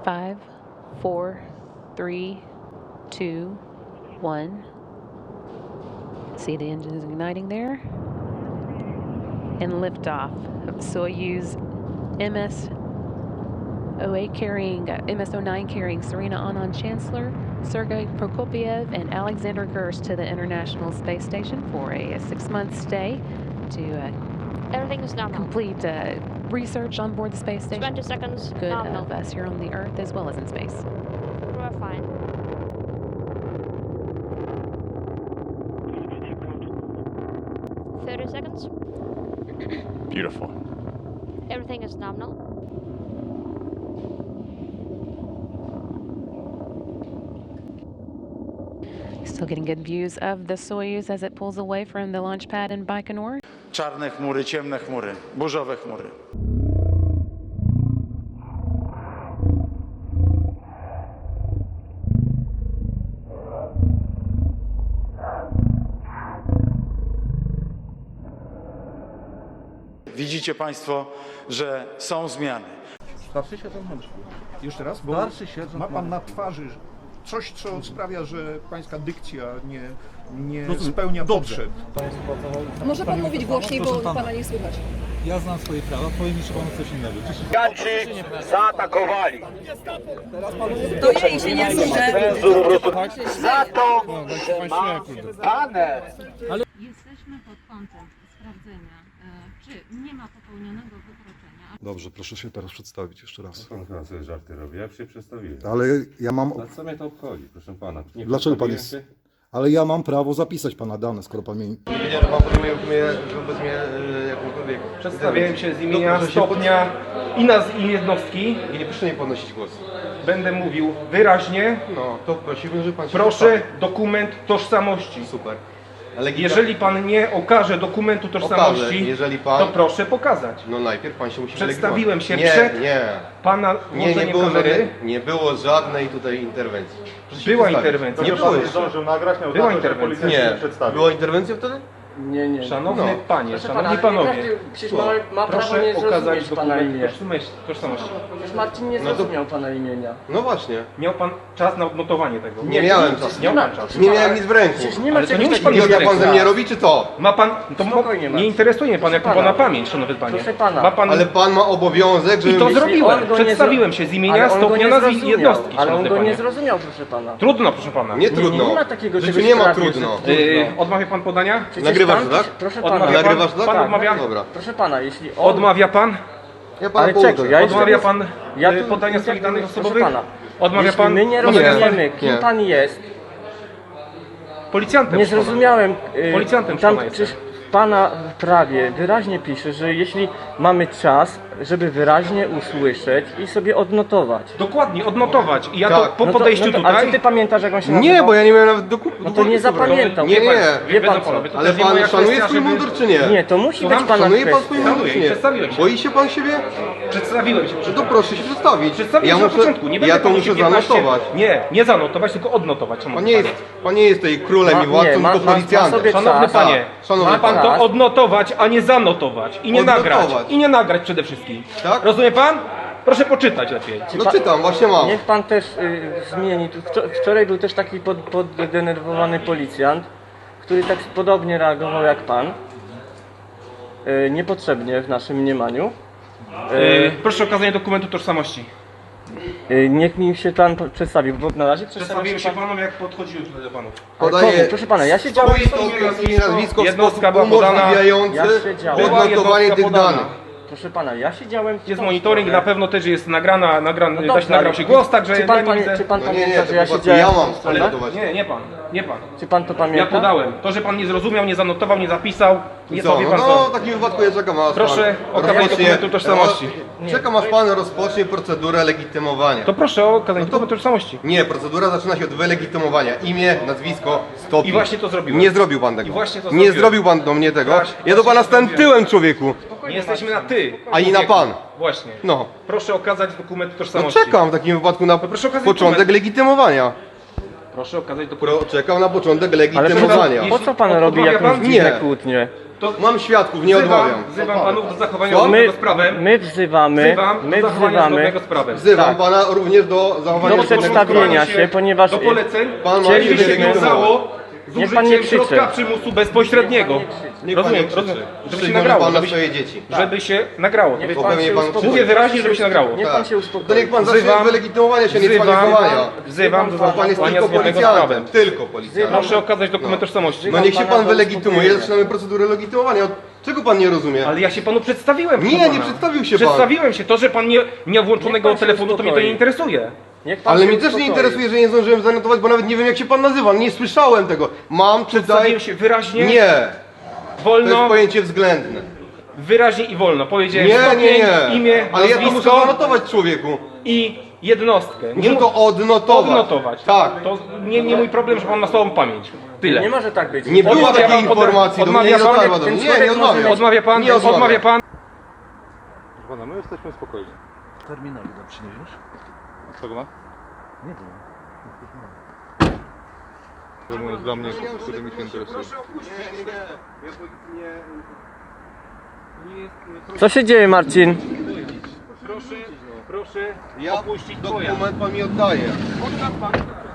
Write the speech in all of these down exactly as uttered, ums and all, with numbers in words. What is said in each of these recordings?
Five, four, three, two, one. See the engines igniting there. And liftoff of Soyuz M S oh eight carrying, uh, M S oh nine carrying Serena Anand Chancellor, Sergei Prokopiev, and Alexander Gersh to the International Space Station for a, a six-month stay to uh, Everything is nominal. complete uh, research on board the space station. twenty seconds. Good Nominal. of us here on the Earth as well as in space. We're fine. thirty seconds. Beautiful. Everything is nominal. Still getting good views of the Soyuz as it pulls away from the launch pad in Baikonur. Czarne chmury, ciemne chmury, burzowe chmury. Widzicie Państwo, że są zmiany. Starszy sierżant Mączki. Jeszcze raz, bo Starszy sierżant ma pan Mączki. na twarzy coś, co sprawia, że pańska dykcja nie, nie Rozumiem. spełnia Dobrze. potrzeb. Może pan mówić głośniej, bo pana nie słychać. Ja znam swoje prawa, powiem jeszcze panu coś innego. Giganci zaatakowali. To ja i się nie słyszę. Za to, że ma baner. Jesteśmy pod kątem sprawdzenia, e, czy nie ma popełnionego wykroczenia. Dobrze, proszę się teraz przedstawić jeszcze raz. Pan chyba sobie żarty robi, ja się przedstawiłem. Ale ja mam. A co mnie to obchodzi, proszę pana? Nie Dlaczego pan przedstawiłem jest. się? Ale ja mam prawo zapisać pana dane, skoro pan mnie. Nie, no pan podejmuje mnie wobec mnie e, jakąkolwiek. Przedstawiałem się z imienia, stopnia i nazw i jednostki. I nie proszę nie podnosić głosu. Będę mówił wyraźnie. No, to prosiłbym, żeby pan się Proszę przedstawił. dokument tożsamości. Super. Ale Jeżeli pan nie okaże dokumentu tożsamości, Okażę, jeżeli pan- to proszę pokazać. No najpierw pan się musi Przedstawiłem wylegitymować. się nie, przed Nie, Pana nie, nie włączeniem było, kamery. żadnej, nie było żadnej tutaj interwencji. Proszę się Była przedstawić. interwencja. Nie było jeszcze. Była interwencja. Nie, była interwencja wtedy? Nie, nie. Szanowny No. panie, Proszę szanowni pana, panowie, każdy przecież ma, ma prawo proszę nie okazać zrozumieć pana dokument imię. tożsamości- tożsamości. Przecież Marcin nie No to- zrozumiał pana imienia. No właśnie. Miał pan czas na odnotowanie tego. Nie miałem czasu. Miał Nie pan ma- czas. Nie miałem nic w ręku. Przecież nie ma Ale to nie czegoś musi pan takiego. mieć Jak pan ze mnie robi, czy to? Ma pan, to mo, Spokojnie, Marcin. nie interesuje mnie pan, jak to Proszę pana pana. pamięć, szanowny panie. Proszę pana. Ma pan, Ale pan ma obowiązek, żeby i to mieć... zrobiłem, on go nie przedstawiłem zro- się z imienia, Ale on go stopnia, nie nazwy i zrozumiał. jednostki, Ale on szanowny go nie panie. zrozumiał, proszę pana. Trudno, proszę pana. Nie trudno. nie ma takiego W życiu czegoś nie ma prawie, trudno. że- Yy, odmawia pan podania? Przecież Nagrywasz pan- to, tak? Proszę Odmawia pana. pan? Nagrywasz to, tak? Pan odmawia? Dobra. Proszę pana, jeśli on... Odmawia pan? Ja pana Ale pouczę. czego? Ja jeszcze Odmawia nie- pan Ja yy, tu- podania proszę swoich danych pana, osobowych? Pana. Odmawia Jeśli pan? my nie No nie. rozumiemy, kim Nie. pan jest, Policjantem. nie proszę pana. zrozumiałem. y, Policjantem tam pana przecież jestem. pana w prawie wyraźnie pisze, że jeśli mamy czas, żeby wyraźnie usłyszeć i sobie odnotować. Dokładnie, odnotować. I ja Tak. to po No to- podejściu no to, tutaj... Ale czy ty pamiętasz, jak on się nazywał? Nie, bo ja nie miałem nawet dokumentu. No to nie zapamiętał. Nie, Wie pan- nie. Wie Wiedzą pan co? panowie, to Ale też nie moja pan szanuje kwestia, swój żeby- mundur, czy nie? Nie, to musi Słucham? być pana Szanuje pan kwestia. swój mundur, Szanuję czy i nie? przedstawiłem się. Boi się pan siebie? Przedstawiłem się. No to proszę się przedstawić. Przedstawiłem Ja się na muszę, początku. Nie będę ja to panu muszę się piętnaście zanotować. Nie, nie zanotować, tylko odnotować. Pan szanowny nie jest, panie. pan nie jest tutaj królem Ma- i władcą, nie, ma- tylko ma- ma policjantem. sobie Szanowny czas. panie, Szanowny ma pan pan. to czas. odnotować, a nie zanotować. I nie Odnotować. nagrać. I nie nagrać przede wszystkim. Tak? Rozumie pan? Proszę poczytać lepiej. No czytam, właśnie mam. Niech pan też y, zmieni. Tu wczor- Wczoraj był też taki pod, poddenerwowany policjant, który tak podobnie reagował jak pan. Y, niepotrzebnie w naszym mniemaniu. Yy, proszę o okazanie dokumentu tożsamości. Y, niech mi się pan po- przedstawił, bo na razie przedstawił Przedstawiłem się się pan. panom, jak podchodziłem tutaj do panów. Ale Podaję komu? Proszę pana, ja siedziałem... swoje imię, nazwisko w Jednostka sposób była podana. umożliwiający Ja siedziałem. Była odnotowanie jednostka tych podana. danych. Proszę pana, ja siedziałem... w Jest tą monitoring, stronę. na pewno też jest nagrana, nagrany, No da dobrze, się nagrał ale się głos, także czy ja pan, nie pamię- widzę. czy pan No nie, nie, pamięta, to że ja po prostu siedziałem ja w tą mam stronę? odnotować. Nie, nie pan, nie pan. Czy pan to Ja pamięta? podałem. To, że pan nie zrozumiał, nie zanotował, nie zapisał, nie Co? wie No, pan no co. w takim wypadku ja czekam aż Proszę pan o okazanie rozpocznie- dokumentu tożsamości. No, czekam aż pan rozpocznie procedurę legitymowania. To proszę o okazanie No to- dokumentu tożsamości. Nie, procedura zaczyna się od wylegitymowania. Imię, nazwisko, stopień. I właśnie to zrobiłem. Nie zrobił pan tego. I właśnie to Nie zrobiłem. zrobił pan do mnie tego. Właśnie- Ja do pana właśnie to stałem zrobiłem. tyłem, człowieku. Nie jesteśmy na ty. A i na człowieku. pan. Właśnie. No. Proszę okazać dokument No tożsamości. czekam w takim wypadku na proszę okazać początek dokument. legitymowania. Proszę okazać dokument. Pro, czekam na początek Ale po co, legitymowania. po co pan Odmawia robi jakąś pan? dziwne Nie. kłótnie? To Mam świadków, nie wzywam, odmawiam. wzywam panów do zachowania Co? My, zgodnego z prawem. my wzywamy, Wzywam my do zachowania wzywamy zgodnego z prawem. Wzywam Tak. pana również do zachowania do przedstawienia się, ponieważ Do poleceń. Pan ma Chcielibyście się wiązało z Niech pan nie użyciem krzyczy. środka przymusu bezpośredniego. Niech pan Rozumiem, nie krzyczy. rozumiem. Żeby się Szczególnie nagrało, pan na żeby się, swoje dzieci. żeby się nagrało. Niech Bo pan pewnie się pan uspokoi. Mówię wyraźnie, żeby się nagrało. Niech pan Tak. się uspokoi. To niech pan zacznie Wzywam- wylegitymowania się, nie wzywam- cwaniakowania. Wzywam do Bo pan jest zachowania tylko zgodnego z policjantem. prawem. Tylko policjantem. Proszę okazać dokument tożsamości. No niech się pana pan do wylegitymuje, uspokojenia. zaczynamy procedurę legitymowania. Czego pan nie rozumie? Ale ja się panu przedstawiłem. Nie, proszę nie pana. przedstawił się pan. Przedstawiłem się. To, że pan nie, nie ma Niech włączonego pan się telefonu, to mnie to uspokoi. nie interesuje. Niech pan Ale się mnie też nie uspokoi. interesuje, że nie zdążyłem zanotować, bo nawet nie wiem jak się pan nazywa. Nie słyszałem tego. Mam tutaj... Przedstawiłem się wyraźnie, Nie. To jest wolno, pojęcie względne. wyraźnie i wolno. Powiedziałem Nie, nie, stopień, nie. imię, Ale ja to muszę nazwisko zanotować człowieku. i jednostkę. Muszę mu- to odnotować. odnotować. Tak. To nie, nie mój problem, że pan ma słabą pamięć. Tyle. Nie może tak być. Nie było Odmawia takiej pan, informacji, do mnie odmawia nie pan, dotarła do ten mnie. Nie, człowiek nie może odmawiam. mieć- Odmawia pan, Nie odmawiam. odmawia pan. Pana, my jesteśmy spokojni. Terminal nam przyniesiesz? Czego ma? Nie wiem. To jest dla mnie, który mi się interesuje. Co się dzieje, Marcin? Proszę, proszę Ja opuścić pojazd. dokument pan mi oddaje. Odda pan.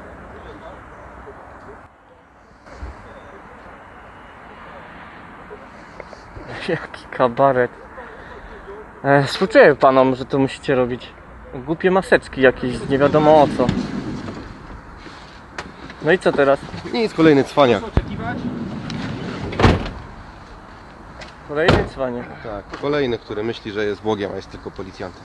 Jaki kabaret. E, współczuję panom, że to musicie robić. Głupie maseczki jakieś, nie wiadomo o co. No i co teraz? Nic, kolejny cwaniak. Oczekiwać? Kolejny cwanie. Tak, kolejny, który myśli, że jest Bogiem, a jest tylko policjantem.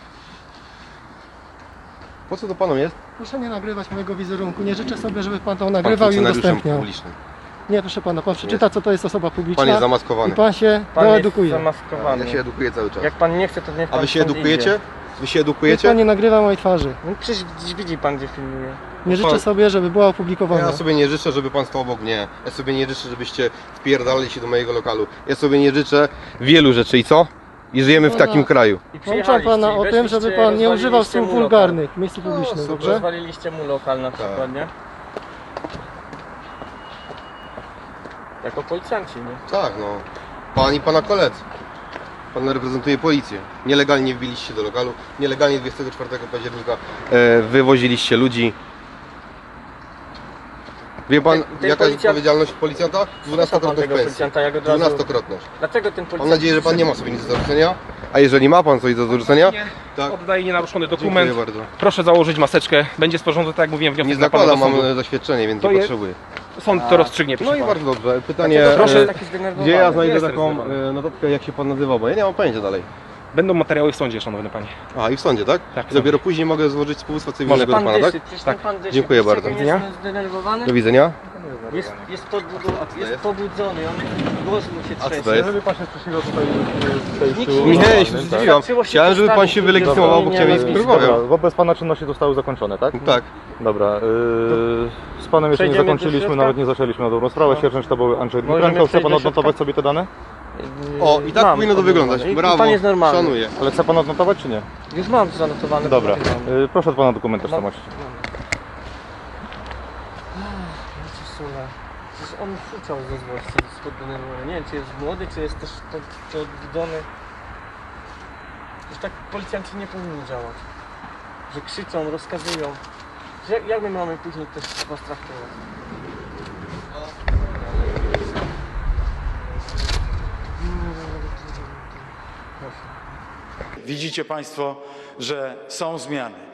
Po co to panom jest? Proszę nie nagrywać mojego wizerunku. Nie życzę sobie, żeby pan to Pan nagrywał i funkcjonariuszem udostępniał. publicznym. Nie, proszę pana, pan przeczyta, co to jest osoba publiczna. Pan jest I zamaskowany. pan się Pan jest doedukuje. zamaskowany. Ja się edukuję cały czas. Jak pan nie chce, to niech pan A wy się stąd edukujecie? idzie. Wy się Niech edukujecie? pan nie nagrywa mojej twarzy. No przecież widzi pan, gdzie filmuje. Nie życzę Pan- sobie, żeby była opublikowana. Ja sobie nie życzę, żeby pan stał obok mnie. Ja sobie nie życzę, żebyście wpierdalali się do mojego lokalu. Ja sobie nie życzę wielu rzeczy i co? I żyjemy w Pana- takim kraju. I Pouczam pana o tym, żeby pan nie używał słów wulgarnych w miejscu publicznym, super. dobrze? Rozwaliliście mu lokal na przykład, nie? Jako policjanci, nie? Tak, no. Pan i pana koledzy. Pan reprezentuje policję. Nielegalnie wbiliście do lokalu. Nielegalnie dwudziestego czwartego października e, wywoziliście ludzi. Wie pan, Ten- ten jaka jest policjant- odpowiedzialność policjanta? pan Dwunastokrotność tego pensji. policjanta, jak od razu- Dwunastokrotność. Dlaczego ten policjant... Mam nadzieję, że pan nie ma sobie nic do zarzucenia. A jeżeli ma pan coś do zarzucenia, tak. Oddaję nienaruszony dokument. Dziękuję bardzo. Proszę założyć maseczkę. Będzie sporządzony, tak jak mówiłem, wniosek Nie dla pana zakładam, do mam sądu. zaświadczenie, więc To nie je- potrzebuję. Sąd to rozstrzygnie, No proszę i pana. bardzo dobrze. Pytanie, Dlaczego proszę- e, taki zdenerwowany? gdzie ja znajdę Jestem taką zdenerwowany. e, notatkę, jak się pan nazywa, bo ja nie mam pojęcia dalej. Będą materiały w sądzie, szanowny panie. A i w sądzie, tak? Tak, w I dopiero później mogę złożyć powództwo cywilnego do Pan pana, tak? dyszy, przecież Tak. ten pan dyszy. Dziękuję Widzicie, bardzo. jak Do widzenia. jest zdenerwowany? Do widzenia. Jest, jest, podbudu, jest pobudzony, on głos mu się A co trzęsie. to jest? Jeżeli pan się sprzeciwia tutaj w Nikt przejściu... nie- Nie, ja się zdziwiłam. Wystarczyło się Chciałem, żeby pan postawić, się ludzie wylegitymował, bo dzwonienia, chciałem mieć nazwisko. rozmowę. Dobra, wobec pana czynności zostały zakończone, tak? Tak. Dobra, yy, z panem jeszcze nie Przejdziemy do zakończyliśmy, środka? nawet nie zaczęliśmy na dobrą sprawę. Sierżant sztabowy Andrzej Możemy Dmitrenko, chce przejść pan do odnotować środka? sobie te dane? O, i tak Mam powinno to wyglądać. odnotowane. I- Brawo, I pan jest normalny. szanuję. Ale chce pan odnotować czy nie? Już mam zanotowane. Dobra, tutaj mam. yy, proszę od pana dokument tożsamości. Wiecie, Sula, przecież on fuczał ze złości, z poddenerwowania. Nie wiem, czy jest młody, czy jest też pod, podbudzony. Już tak policjanci nie powinni działać. Że krzyczą, rozkazują. Że Jak, jak my mamy później też was traktować? Widzicie państwo, że są zmiany.